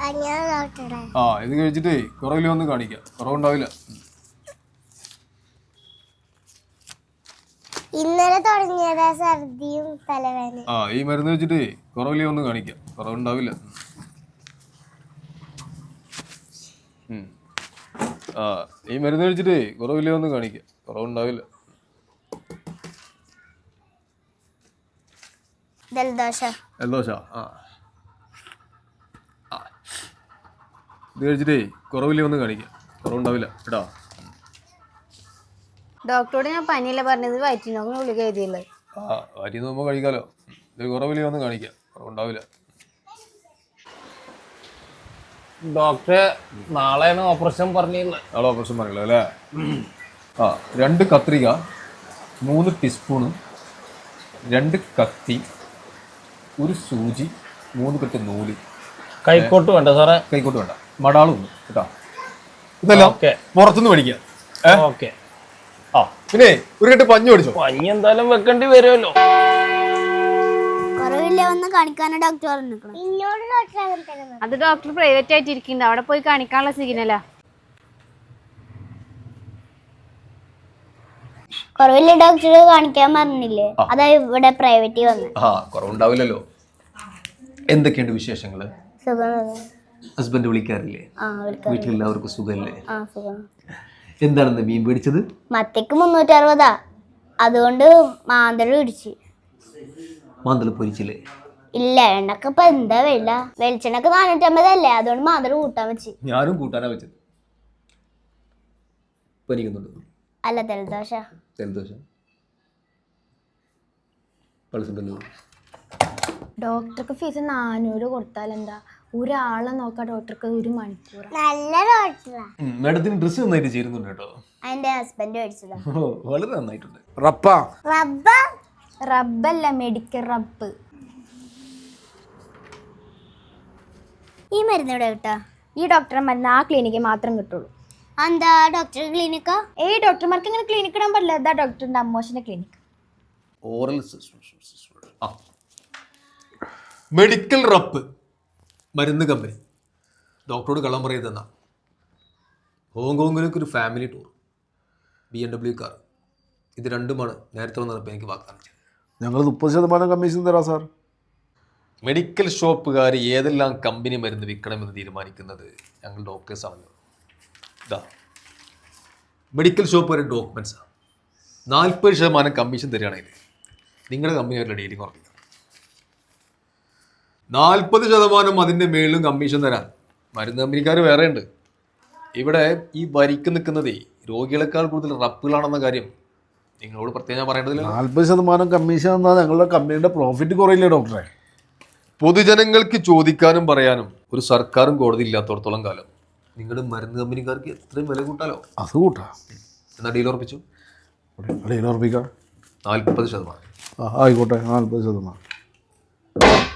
ആ ഇത് കഴിച്ചിട്ടേ കുറവില്ല ഒന്ന് കാണിക്കാം, കുറവുണ്ടാവില്ല. ഇന്നലെ തുടങ്ങിയതാ ഛർദിയും തലവേദന. ആ ഈ മരുന്ന് വെച്ചിട്ടേ കുറവില്ല ഒന്ന് കാണിക്കാം, കുറവുണ്ടാവില്ല. ആ ഈ മരുന്ന് കഴിച്ചിട്ടേ കുറവില്ല ഒന്ന് കാണിക്കാം, കുറവുണ്ടാവില്ല. ജലദോഷ ആ ഇത് കഴിച്ചിട്ടേ കുറവില്ല ഒന്ന് കാണിക്കാം, കുറവുണ്ടാവില്ല കേട്ടോ. ഡോക്ടറോട് ഞാൻ പനിയല്ല പറഞ്ഞത്, വയറ്റിനോക്ക് ഗുളിക എഴുതിയുള്ളത്. ആ വയറ്റിൽ നോക്കുമ്പോൾ കഴിക്കാലോ. ഇത് കുറവില്ല ഒന്ന് കാണിക്കാം, കുറവുണ്ടാവില്ല. ഡോക്ടറെ നാളെയാണ് ഓപ്പറേഷൻ പറഞ്ഞിട്ടുള്ളത്. നാളെ ഓപ്പറേഷൻ പറഞ്ഞല്ലോ അല്ലേ? ആ 2 കത്രിക, 3 ടീസ്പൂണ്, 2 കത്തി, 1 സൂചി, 3 കെട്ട് നൂല്. കൈക്കോട്ട് വേണ്ട സാറേ? കൈക്കോട്ട് വേണ്ട, മടാളും കേട്ടോ. ഇതെല്ലാം പുറത്തുനിന്ന് മേടിക്കാം. ഓക്കെ. ആ പിന്നെ ഒരു കെട്ട് പഞ്ഞു മേടിച്ചോ. പഞ്ഞി എന്തായാലും വെക്കേണ്ടി വരുമല്ലോ. അത് ഡോക്ടർ പ്രൈവറ്റ് ആയിട്ട് ഇരിക്കുന്നുണ്ട്, അവിടെ പോയി കാണിക്കാനുള്ള സിഗ്നലാ. കുറവില്ല ഡോക്ടറെ കാണിക്കാൻ പറഞ്ഞില്ലേ, അതാ ഇവിടെ പ്രൈവറ്റ് വന്ന്. ആ കുറവുണ്ടാവില്ലല്ലോ. എന്തൊക്കെയുണ്ട് വിശേഷങ്ങള്? ഹസ്ബൻഡ് വിളിക്കാറില്ലേ? വീട്ടിലെല്ലാവർക്കും സുഖല്ലേ? എന്താണെന്ന് മീൻ പിടിച്ചത്? മത്തിക്ക് 360, അതുകൊണ്ട് മാന്തള് പിടിച്ച്. മാന്തള് പൊരിച്ചില്ലേ? ഇല്ല, എണ്ണക്ക് ഇപ്പൊ എന്താ വില, വെളിച്ചെണ്ണക്ക് 450 അതുകൊണ്ട് മാന്തള് കൂട്ടാൻ വെച്ച്. ഞാനും കൂട്ടാനാ വെച്ചത്. പനിക്കുന്നുണ്ട്? അല്ല, ജലദോഷ. ഡോക്ടർക്ക് ഫീസ് 400 കൊടുത്താൽ എന്താ, ഒരാളെ നോക്കാം ഡോക്ടർക്ക് 1 മണിക്കൂർ. നല്ല ഡോക്ടറാ. മാഡത്തിന് ഡ്രസ് നന്നായിട്ട് ചേരുന്നുണ്ട് കേട്ടോ. എന്റെ ഹസ്ബൻഡ് മേടിച്ചതാ. വളരെ നന്നായിട്ടുണ്ട്. റബ്ബല്ല, മെഡിക്കൽ റബ്ബ്. ഈ മരുന്ന് ഇവിടെ കിട്ടാ? ഈ ഡോക്ടറെ മരുന്ന് ആ ക്ലിനിക്കിൽ മാത്രം കിട്ടുള്ളൂ. എന്താ ഡോക്ടർ ക്ലിനിക്കാ? ഡോക്ടർമാർക്ക് ഇങ്ങനെ ക്ലിനിക്ക് ഇടാൻ പറ്റില്ല. ഇതാ ഡോക്ടറിന്റെ അമ്മോശന്റെ ക്ലിനിക്ക്. ഓറൽ മെഡിക്കൽ റബ്ബ് മരുന്ന് കമ്പനി. ഡോക്ടറോട് കള്ളം പറയതെന്നാ. ഹോങ്കോങ്ങിലേക്ക് ഒരു ഫാമിലി ടൂർ, BMW കാർ. ഇത് രണ്ടുമാണ് നേരത്തെ വന്നപ്പോൾ എനിക്ക് വാഗ്ദാനം ചെയ്തത്. ഞങ്ങൾ 30% കമ്മീഷൻ തരാം സാർ. മെഡിക്കൽ ഷോപ്പുകാർ ഏതെല്ലാം കമ്പനി മരുന്ന് വിൽക്കണമെന്ന് തീരുമാനിക്കുന്നത് ഞങ്ങൾ ഡോക്ടേഴ്സാണല്ലോ. ഇതാ മെഡിക്കൽ ഷോപ്പുകാരുടെ ഡോക്യുമെൻറ്റ്സാണ്. 40% കമ്മീഷൻ തരികയാണെങ്കിൽ നിങ്ങളുടെ കമ്പനിയായിട്ടുള്ള ഡീലിംഗ് ഉറപ്പിക്കാം. 40% അതിൻ്റെ മേളിലും കമ്മീഷൻ തരാൻ മരുന്ന് കമ്പനിക്കാർ വേറെ ഉണ്ട്. ഇവിടെ ഈ വരിക്ക് നിൽക്കുന്നതേ രോഗികളെക്കാൾ കൂടുതൽ റബ്ബുകളാണെന്ന കാര്യം നിങ്ങളോട് പ്രത്യേകം പറയേണ്ടതില്ല. 40% കമ്മീഷൻ എന്നാൽ ഞങ്ങളുടെ കമ്പനിയുടെ പ്രോഫിറ്റ് കുറയില്ലേ ഡോക്ടറെ? പൊതുജനങ്ങൾക്ക് ചോദിക്കാനും പറയാനും ഒരു സർക്കാരും കോടതി ഇല്ലാത്തടത്തോളം കാലം നിങ്ങളുടെ മരുന്ന് കമ്പനിക്കാർക്ക് എത്രയും വില കൂട്ടാലോ? അത് കൂട്ടാ. എന്നാൽ ഡീൽ ഉറപ്പിച്ചു? ഡീൽ ഉറപ്പിക്കാം. 40%. ആയിക്കോട്ടെ, 40%.